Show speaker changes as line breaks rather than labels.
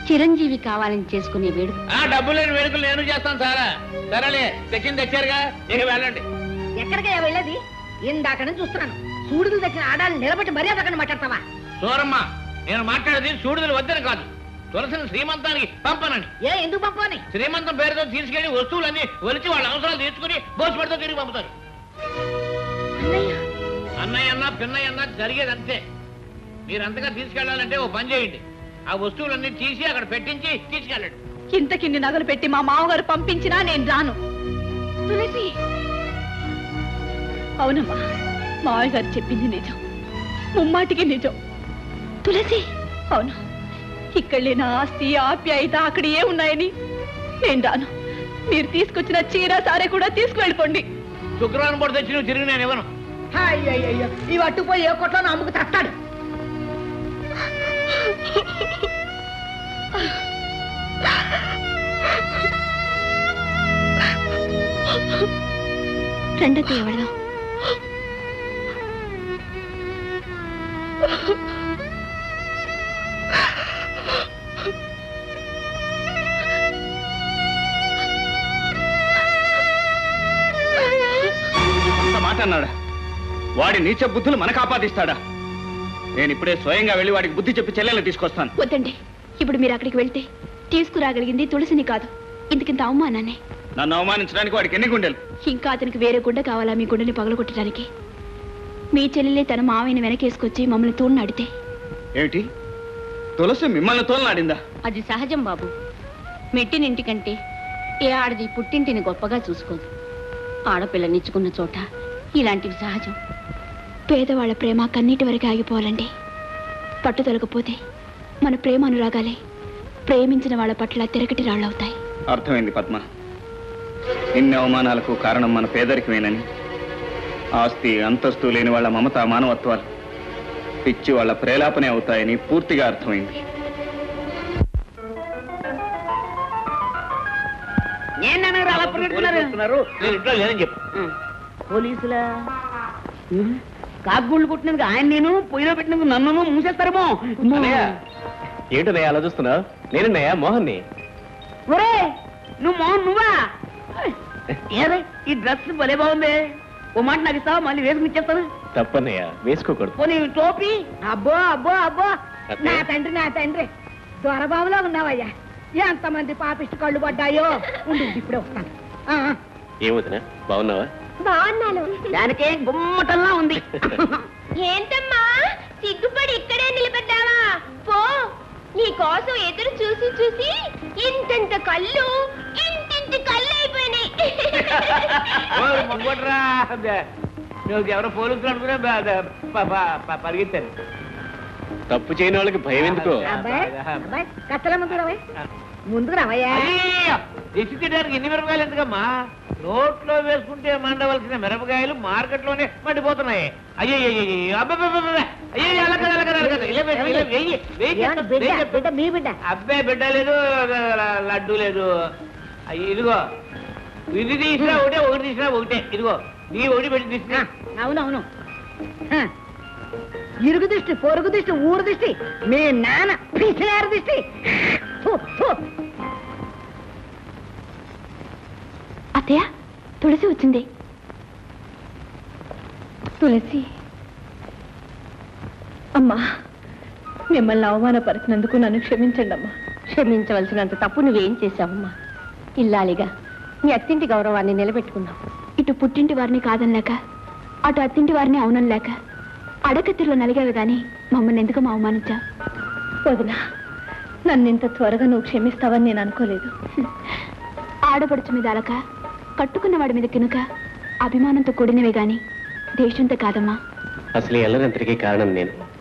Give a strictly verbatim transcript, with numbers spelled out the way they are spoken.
చిరంజీవి కావాలని చేసుకునే వేడుక.
డబ్బు లేని వేడుకలు నేను చేస్తాను సారా. సరేలే, తెచ్చింది తెచ్చారుగా, ఇక వెళ్ళండి.
ఎక్కడికయ్యా వెళ్ళేది? ఇందాక నుంచి చూస్తున్నాను. సూడుదులు తెచ్చిన ఆడాలని నిలబెట్టి మర్యాద అక్కడ మాట్లాడతావా?
సూరమ్మ, నేను మాట్లాడేది సూడుదలు వద్దని కాదు, తులసిని శ్రీమంతానికి పంపనండి.
ఏ ఎందుకు పంపని?
శ్రీమంతం పేరుతో తీసుకెళ్లి వస్తువులన్నీ ఒలిచి వాళ్ళ అవసరాలు తీసుకుని భోజపడితో తిరిగి పంపుతారు. అన్నయ్య అన్నా పిన్నయ్య అన్నా జరిగేది అంతే. మీరంతగా తీసుకెళ్లాలంటే ఓ పని చేయండి, ఆ వస్తువులన్నీ తీసి అక్కడ పెట్టించి తీసుకెళ్ళండి.
ఇంతకిన్ని నగలు పెట్టి మా మామగారు పంపించినా నేను రాను. తులసి, అవునమ్మా, మావయ్య గారు చెప్పింది నిజం, ముమ్మాటికి నిజం. తులసి, అవును, ఇక్కడ లేని ఆస్తి ఆప్యాయత అక్కడ ఏ ఉన్నాయని నేను రాను. మీరు తీసుకొచ్చిన చీర సారే కూడా తీసుకువెళ్ళిపోండి.
శుక్రవారం పూట తెచ్చి నువ్వు తిరిగి నేను ఇవ్వను.
అయ్యయ్యో, ఈ అట్టుపోయి ఏ కొట్లో అమ్ముకు తస్తాడు.
రెండో ఎవడో
మాట అన్నాడా? వాడి నీచ బుద్ధులు మనకు ఆపాదిస్తాడా? నేను ఇప్పుడే స్వయంగా వెళ్ళి వాడికి బుద్ధి చెప్పి చెల్లెల్ని తీసుకొస్తాను.
వద్దండి, ఇప్పుడు మీరు అక్కడికి వెళ్తే తీసుకురాగలిగింది తులసిని కాదు, ఇంతకింత అవమానాన్ని.
నన్ను అవమానించడానికి వాడికి ఎన్ని గుండెలు?
ఇంకా అతనికి వేరే గుండె కావాలా మీ గుండెని పగలగొట్టడానికి? మీ చెల్లెలే తన మావయ్యని వెనకేసుకొచ్చి మమ్మల్ని తోలనాడితే
ఏమిటి? తులసి మిమ్మల్ని తోలనాడిందా?
అది సహజం బాబు. మెట్టినింటికంటే ఏ ఆడది పుట్టింటిని గొప్పగా చూసుకోదు. ఆడపిల్లనిచ్చుకున్న చోట ఇలాంటివి సహజం. పేదవాళ్ల ప్రేమ కన్నీటి వరకు ఆగిపోవాలండి. పట్టుదలకపోతే మన ప్రేమ అనురాగాలే ప్రేమించిన వాళ్ళ పట్ల తిరగటి రాళ్ళవుతాయి.
అర్థమైంది పద్మ. ఇన్ని అవమానాలకు కారణం మన పేదరికమేనని, ఆస్తి అంతస్తు లేని వాళ్ళ మమత మానవత్వాలు పిచ్చి వాళ్ళ ప్రేలాపనే అవుతాయని పూర్తిగా అర్థమైంది.
పోలీసులా? కాకుగుళ్ళు కొట్టినందుకు ఆయన నేను, పొయ్యిలో పెట్టినందుకు నన్ను మూసేస్తారేమో.
ఏంటనయ్య అలా చూస్తున్నావు? నేనన్నయ్య మోహన్ని.
ఒరే, నువ్వు మోహన్ నువ్వా? ఏదే ఈ డ్రెస్ భలే బాగుంది. ఓ మాట నాకు ఇస్తావా? మళ్ళీ వేసుకుని ఇచ్చేస్తాను.
తప్పన్నయ్య, వేసుకోకూడదు.
పోనీ టోపీ? అబ్బో అబ్బో అబ్బో, నా తండ్రి నా తండ్రి, దొరబాబులో ఉన్నావయ్యా. ఎంతమంది పాపిష్టి కళ్ళు పడ్డాయో. ఉండు, ఇప్పుడే వస్తాను.
ఏమవుతున్నా, బాగున్నావా?
బాగున్నాను. దానికే గుమ్మటంలా ఉంది.
ఏంటమ్మా సిగ్గుపడి ఇక్కడే నిలబడ్డావా? పో, నీ కోసం ఎదురు చూసి చూసి ఇంతంత కళ్ళు ఇంటింటి కళ్ళు అయిపోయినాయి.
నువ్వు ఎవరో పోలీసులు అనుకునే పరిగెత్తాను.
తప్పు చేయని వాళ్ళకి భయం ఎందుకో?
కట్టల ముందు ముందుకు రావయ్యా.
దిష్టించడానికి ఎన్ని మిరపకాయలు ఎందుకమ్మా? నోట్లో వేసుకుంటే మండవలసిన మిరపకాయలు మార్కెట్ లోనే మండిపోతున్నాయి. అయ్యో అబ్బాయి బిడ్డ లేదు, లడ్డు లేదు. అయ్యి ఇదిగో, ఇది తీసినా ఒకటే, ఒకటి తీసినా ఒకటే. ఇదిగో నీ ఒకటి పెట్టి తీసినా.
అవునవును, ఇరుగు దిష్టి, పొరుగు దిష్టి, ఊరు దిష్టి, మీ నాన్న పిసినారు దిష్టి.
అత్తయ్య, తులసి వచ్చింది. తులసి అమ్మా, మిమ్మల్ని అవమానపరిచినందుకు నన్ను క్షమించండి అమ్మా.
క్షమించవలసినంత తప్పు నువ్వేం చేశావమ్మా? ఇల్లాలిగా నీ అత్తింటి గౌరవాన్ని నిలబెట్టుకున్నావు.
ఇటు పుట్టింటి వారిని కాదనలేక, అటు అత్తింటి వారిని అవునలేక అడకత్తిలో నలిగావి గాని మమ్మల్ని ఎందుకు అవమానించా? వదినా, నన్ను ఇంత త్వరగా నువ్వు క్షమిస్తావని నేను అనుకోలేదు. ఆడపడుచు మీద అలక, కట్టుకున్న వాడి మీద కినుక అభిమానంతో కూడినవే గాని దేశంతో కాదమ్మా.
అసలు ఎల్లరంతటికీ కారణం నేను.